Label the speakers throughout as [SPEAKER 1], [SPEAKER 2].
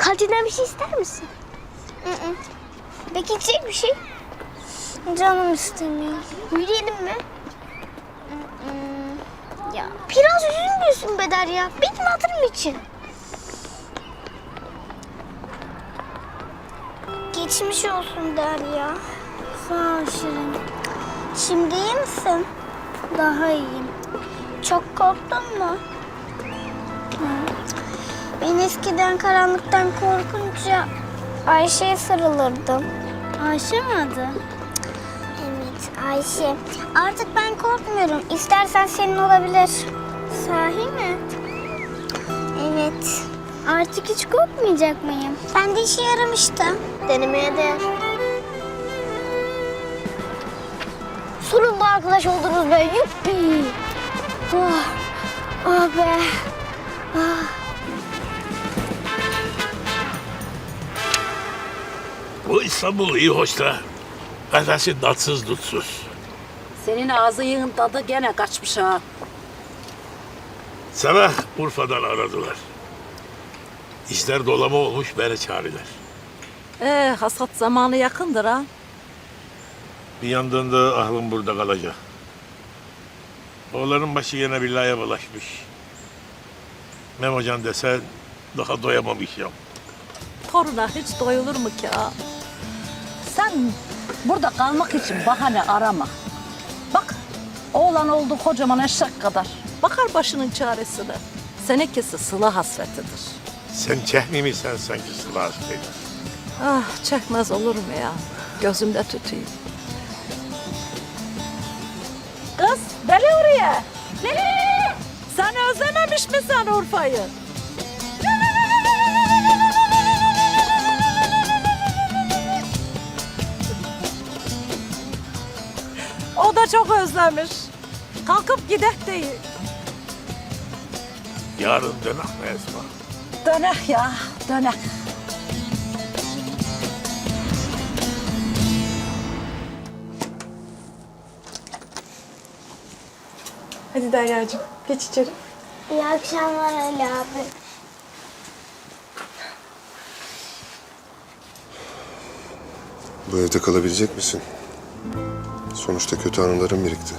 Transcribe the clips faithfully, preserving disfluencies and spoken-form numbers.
[SPEAKER 1] Kantinden bir şey ister misin?
[SPEAKER 2] Hı hı.
[SPEAKER 1] Peki içecek bir şey?
[SPEAKER 2] Canım istemiyor.
[SPEAKER 1] Yürüyelim mi?
[SPEAKER 2] Hı hı.
[SPEAKER 1] Ya biraz üzülmüyorsun Bedar ya. Benim hatırım için.
[SPEAKER 2] Geçmiş olsun Derya. Sağ ol Şirin. Şimdi iyi misin? Daha iyiyim. Çok korktun mu? Hı. Ben eskiden karanlıktan korkunca Ayşe'ye sarılırdım. Ayşe mi adı? Evet, Ayşe. Artık ben korkmuyorum. İstersen senin olabilir. Sahi mi? Evet. Artık hiç korkmayacak mıyım? Ben de işe yaramıştı.
[SPEAKER 1] Denemeye değer. Sonunda arkadaş oldunuz be. Yuppi. Oh, oh be. Ah.
[SPEAKER 3] Bu İstanbul iyi hoş da. Kafesi tatsız tutsuz.
[SPEAKER 4] Senin ağzının tadı gene kaçmış ha.
[SPEAKER 3] Sabah Urfa'dan aradılar. İşler dolama olmuş beni çağırdılar.
[SPEAKER 4] Ee, hasat zamanı yakındır ha.
[SPEAKER 3] Bir yandan da aklım burada kalacak. Oğlanın başı yine billaya bulaşmış. Memocan desen daha doyamamış ya.
[SPEAKER 4] Toruna hiç doyulur mu ki ha? Sen burada kalmak için bahane arama. Bak, oğlan oldu kocaman eşek kadar. Bakar başının çaresine. Senekesi sıla hasretidir.
[SPEAKER 3] Sen çehmi sen sanki sıla hastaydı.
[SPEAKER 4] Ah, çekmez olur mu ya? Gözümde tutayım. Kız, deli oraya. Deli! Sen özlememiş misin Urfa'yı? O da çok özlemiş. Kalkıp gidek değil.
[SPEAKER 3] Yarın dönek mi Esma?
[SPEAKER 4] Dönek ya, dönek.
[SPEAKER 5] Hadi Derya'cığım geç içeri.
[SPEAKER 2] İyi akşamlar Ali abi.
[SPEAKER 6] Bu evde kalabilecek misin? Sonuçta kötü anılarım birikti.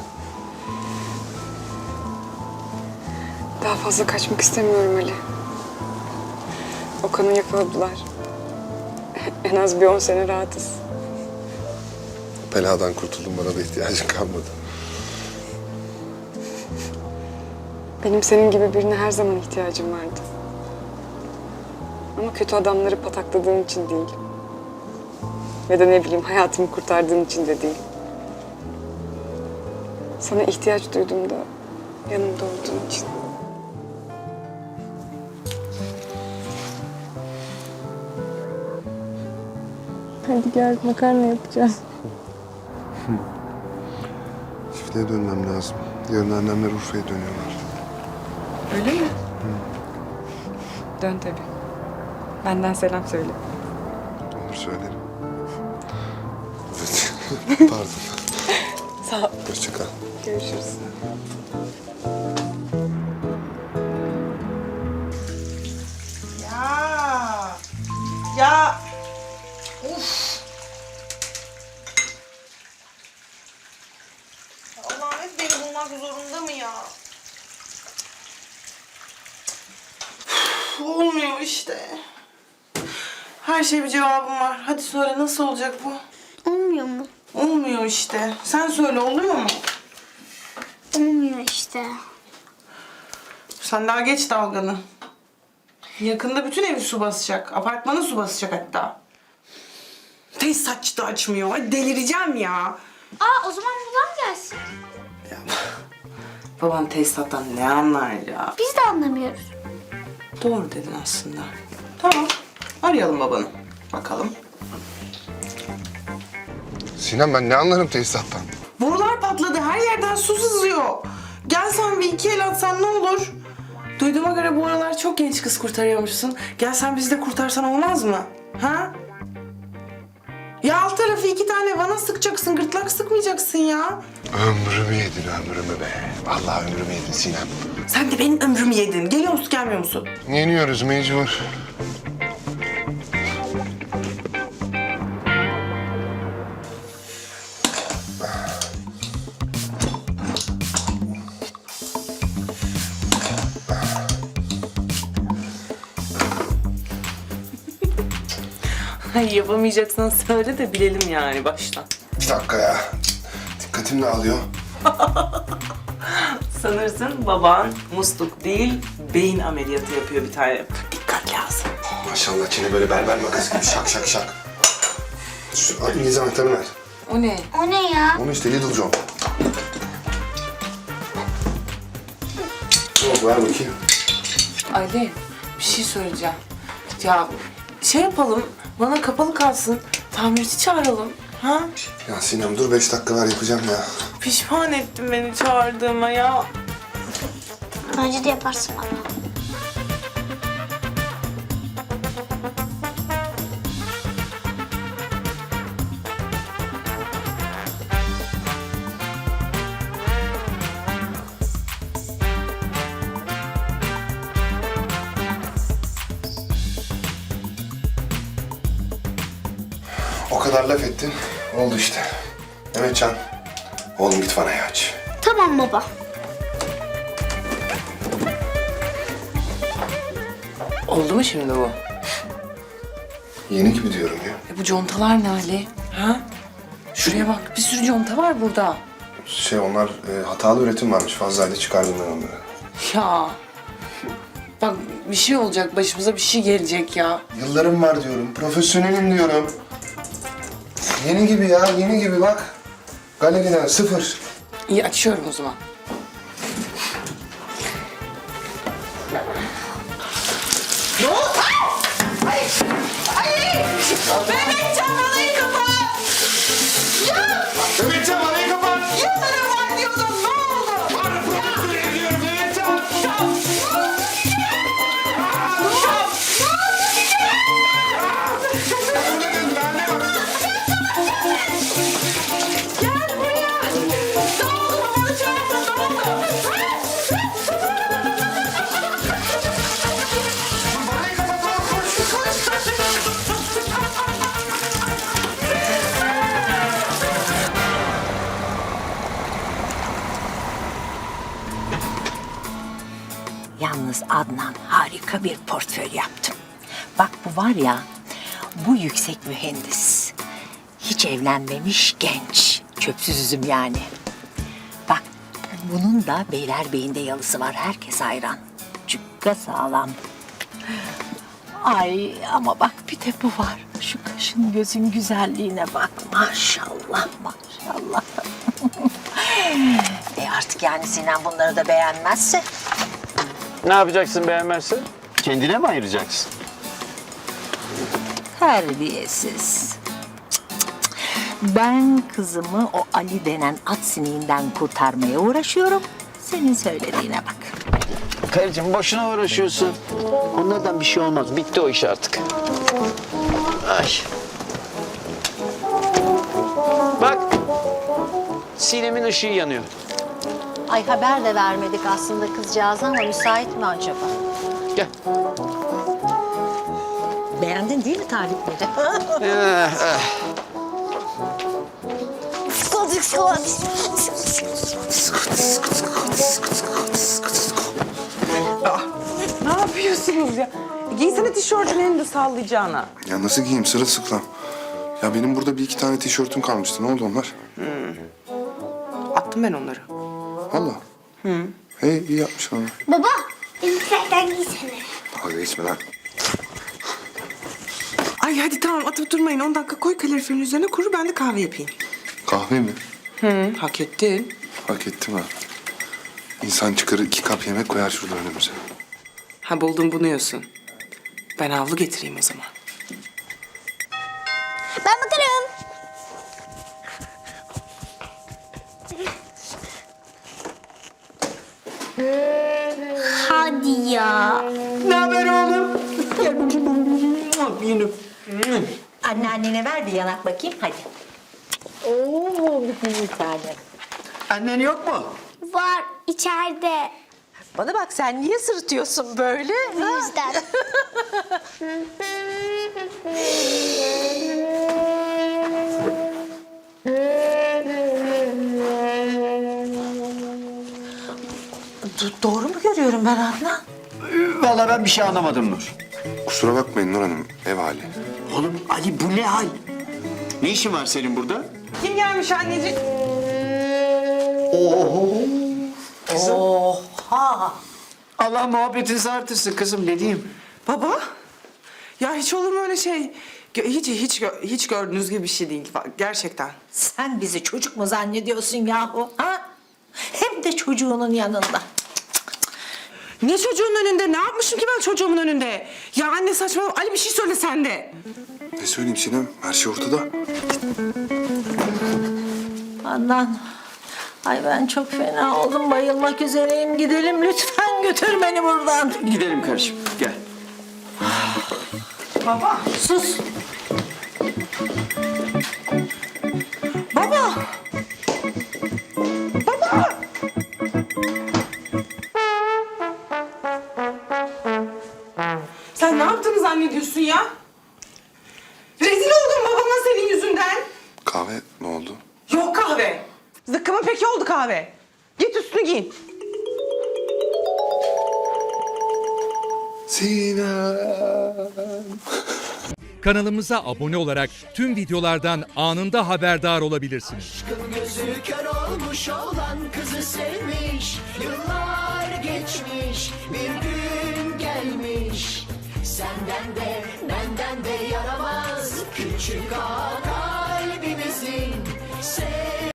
[SPEAKER 5] Daha fazla kaçmak istemiyorum Ali. Okan'ı yakaladılar. En az bir on sene rahatız.
[SPEAKER 6] Beladan kurtuldum, bana da ihtiyacın kalmadı.
[SPEAKER 5] Benim senin gibi birine her zaman ihtiyacım vardı. Ama kötü adamları patakladığın için değil. Ya da ne bileyim hayatımı kurtardığın için de değil. Sana ihtiyaç duyduğumda yanımda olduğun için. Hadi gel makarna yapacağız.
[SPEAKER 6] Çiftliğe dönmem lazım. Yarın annemler Urfa'ya dönüyorlar.
[SPEAKER 5] Öyle mi? Dön tabii. Benden selam söyle.
[SPEAKER 6] Olur, söylerim. Evet. Pardon.
[SPEAKER 5] Sağ ol.
[SPEAKER 6] Hoşça kal.
[SPEAKER 5] Görüşürüz.
[SPEAKER 7] Ya. Ya. Uf. Allah'ım hep beni bulmak zorunda mı ya? Üf, olmuyor işte. Her şeye bir cevabım var. Hadi söyle, nasıl olacak bu?
[SPEAKER 2] Olmuyor mu?
[SPEAKER 7] Olmuyor işte. Sen söyle, oluyor mu?
[SPEAKER 2] Olmuyor işte.
[SPEAKER 7] Sen daha geç dalganı. Yakında bütün evi su basacak. Apartmanı su basacak hatta. Tesisatçı da açmıyor. Ay delireceğim ya.
[SPEAKER 2] Aa o zaman babam gelsin.
[SPEAKER 7] Babam tesisattan ne anlar ya?
[SPEAKER 2] Biz de anlamıyoruz.
[SPEAKER 7] Doğru dedin aslında. Tamam. Arayalım babanı. Bakalım.
[SPEAKER 6] Sinem, ben ne anlarım tesisattan?
[SPEAKER 7] Borular patladı. Her yerden su sızıyor. Gel sen bir iki el atsan ne olur? Duyduğuma göre bu aralar çok genç kız kurtarıyormuşsun. Gel sen bizi de kurtarsan olmaz mı? Ha? Ya alt tarafı iki tane vana sıkacaksın. Gırtlak sıkmayacaksın ya.
[SPEAKER 6] Ömrümü yedin, ömrümü be. Vallahi ömrümü yedin Sinem.
[SPEAKER 7] Sen de benim ömrümü yedin. Geliyor musun, gelmiyor musun?
[SPEAKER 6] Yeniyoruz mecbur.
[SPEAKER 7] Ay yapamayacaksan söyle de bilelim yani baştan.
[SPEAKER 6] Bir dakika ya. Dikkatim dağılıyor.
[SPEAKER 7] Sanırsın baban musluk değil, beyin ameliyatı yapıyor bir tane. Dikkat lazım.
[SPEAKER 6] Maşallah çene böyle berber makası gibi şak şak şak. Şu İngiliz anahtarını ver.
[SPEAKER 7] O ne?
[SPEAKER 1] O ne ya?
[SPEAKER 6] Onu işte Little John. Ne oldu, ver bakayım.
[SPEAKER 7] Ali, bir şey söyleyeceğim. Ya şey yapalım, bana kapalı kalsın. Tamirci çağıralım. Ha?
[SPEAKER 6] Ya Sinem dur beş dakika ver yapacağım ya.
[SPEAKER 7] Pişman ettin beni çağırdığıma ya.
[SPEAKER 1] Bence de yaparsın bana.
[SPEAKER 6] O kadar laf ettin. Oldu işte. Mehmetcan. Oğlum git vanayı aç.
[SPEAKER 1] Tamam baba.
[SPEAKER 7] Oldu mu şimdi bu?
[SPEAKER 6] Yeni gibi diyorum ya.
[SPEAKER 7] E bu contalar ne Ali? Ha? Şuraya bak, bir sürü conta var burada.
[SPEAKER 6] Şey onlar e, hatalı üretim varmış. Fazlaydı çıkardım ben onları.
[SPEAKER 7] Ya. Bak bir şey olacak, başımıza bir şey gelecek ya.
[SPEAKER 6] Yıllarım var diyorum. Profesyonelim diyorum. Yeni gibi ya. Yeni gibi bak. Galeriden sıfır.
[SPEAKER 7] İyi açıyorum o zaman.
[SPEAKER 6] Mehmetcan vanayı kapat!
[SPEAKER 7] Yıllarım var diyordun, ne oldu?
[SPEAKER 6] Var profesör ediyorum Mehmetcan!
[SPEAKER 4] Yalnız Adnan harika bir portföy yaptım. Bak bu var ya, bu yüksek mühendis. Hiç evlenmemiş genç. Çöpsüz üzüm yani. Bak bunun da Beylerbeyi'nde yalısı var. Herkes hayran. Cukka sağlam. Ay ama bak bir de bu var. Şu kaşın gözün güzelliğine bak. Maşallah maşallah. e artık yani Sinan bunları da beğenmezse.
[SPEAKER 8] Ne yapacaksın beğenmezse? Kendine mi ayıracaksın?
[SPEAKER 4] Terbiyesiz. Cık, cık, cık. Ben kızımı o Ali denen at sineğinden kurtarmaya uğraşıyorum. Senin söylediğine bak.
[SPEAKER 8] Karıcığım boşuna uğraşıyorsun. Onlardan bir şey olmaz. Bitti o iş artık. Ay. Bak. Sinem'in ışığı yanıyor.
[SPEAKER 4] Ay haber de vermedik aslında kızcağız ama müsait mi acaba?
[SPEAKER 8] Gel.
[SPEAKER 4] Beğendin değil mi tarifleri?
[SPEAKER 8] Eh, eh.
[SPEAKER 7] Ne yapıyorsunuz ya? Giysene tişörtünü hem de sallayacağına.
[SPEAKER 6] Ya nasıl giyeyim sırılsıklam? Ya benim burada bir iki tane tişörtüm kalmıştı. Ne oldu onlar?
[SPEAKER 7] Attım ben onları.
[SPEAKER 6] Valla. Hı. Hey iyi yapmış valla.
[SPEAKER 1] Baba, elbiselerden giysene.
[SPEAKER 6] Dalga geçme lan.
[SPEAKER 7] Ay hadi tamam atıp durmayın. on dakika koy kaloriferin üzerine kuru, ben de kahve yapayım.
[SPEAKER 6] Kahve mi?
[SPEAKER 7] Hı, hak ettin.
[SPEAKER 6] Hak ettim ha. İnsan çıkarır iki kap yemek koyar şurada önümüze.
[SPEAKER 7] Ha buldun bunu yiyorsun. Ben havlu getireyim o zaman.
[SPEAKER 1] Ben bakarım. Hadi ya.
[SPEAKER 7] Ne haber oğlum? Yunus.
[SPEAKER 4] Anneannene ver bir yanak bakayım hadi. Oo bir tane.
[SPEAKER 8] Annen yok mu?
[SPEAKER 1] Var içeride.
[SPEAKER 4] Bana bak sen niye sırıtıyorsun böyle?
[SPEAKER 1] Bu yüzden.
[SPEAKER 4] Do- doğru mu görüyorum ben Adnan?
[SPEAKER 8] Vallahi ben bir şey anlamadım Nur.
[SPEAKER 6] Kusura bakmayın Nur Hanım. Ev hali.
[SPEAKER 8] Oğlum Ali bu ne hal? Ne işin var senin burada?
[SPEAKER 7] Kim gelmiş anneciğim?
[SPEAKER 8] Allah muhabbetinizi artırsın kızım ne diyeyim?
[SPEAKER 7] Baba? Ya hiç olur mu öyle şey? Gö- Hiç hiç gö- hiç gördüğünüz gibi bir şey değil gerçekten.
[SPEAKER 9] Sen bizi çocuk mu zannediyorsun yahu? Ha? Hem de çocuğunun yanında.
[SPEAKER 7] Ne çocuğun önünde? Ne yapmışım ki ben çocuğumun önünde? Ya anne saçmalama. Ali bir şey söyle sen de.
[SPEAKER 6] Ne söyleyeyim Sinem? Her şey ortada.
[SPEAKER 9] Adnan. Ay ben çok fena oldum. Bayılmak üzereyim. Gidelim lütfen götür beni buradan.
[SPEAKER 8] Gidelim kardeşim gel.
[SPEAKER 7] Baba.
[SPEAKER 9] Sus.
[SPEAKER 7] Baba. Baba. Sen ne yaptığını zannediyorsun ya? Rezil oldum babama senin yüzünden.
[SPEAKER 6] Kahve ne oldu?
[SPEAKER 7] Yok kahve. Zıkkımın peki oldu kahve. Git üstünü giyin.
[SPEAKER 6] Sinem.
[SPEAKER 10] Kanalımıza abone olarak tüm videolardan anında haberdar olabilirsiniz.
[SPEAKER 11] Gözü kör olmuş olan kızı sevmiş. Yıllar geçmiş, bir gün gelmiş. Senden de benden de yaramaz küçük ağa kalbimizin.